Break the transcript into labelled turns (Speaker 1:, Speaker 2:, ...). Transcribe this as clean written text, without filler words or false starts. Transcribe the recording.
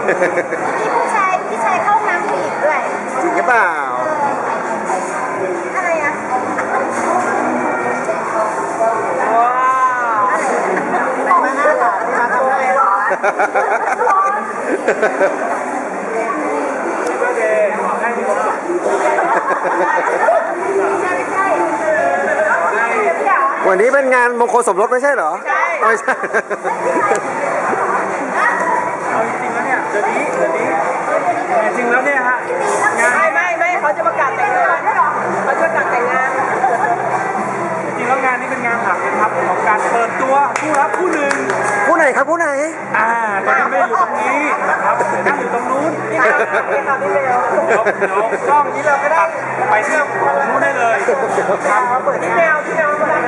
Speaker 1: มีผู้ชายเข้าน้ำผู้หญิงด้วย
Speaker 2: จริงหรือเปล่า
Speaker 1: อะไรอ่ะ
Speaker 3: ว้าว
Speaker 1: มาหน้าหลานมาทำอะไรหรอ
Speaker 3: ก็เดย์ขอให้มีความสุข
Speaker 2: วันนี้เป็นงานมงคลสมรสไม่ใช่เหรอไม่ใช่
Speaker 3: เอาจริงๆแล้วเนี่ยเดี๋ยวนี้จริงๆแล้วเนี่ยฮะงานไม่เขาจะประกาศแต่งงานเขาจะประกาศแต่งงานจริงๆแล้วงานนี้เป็นงานหลักนะครับของการเปิดตัวผู้รับผู้หนึ่ง
Speaker 2: ผู้ไหนครับผู้ไหน
Speaker 3: ตอนนี้ไม่ได้อยู่ตรงนี้นะครับนั่งอยู่ตรงนู้นเดี๋ยวกล้องนี้เราก็ได้ไปเชื่อมนู้นได้เลยครับที่แมวก็ได้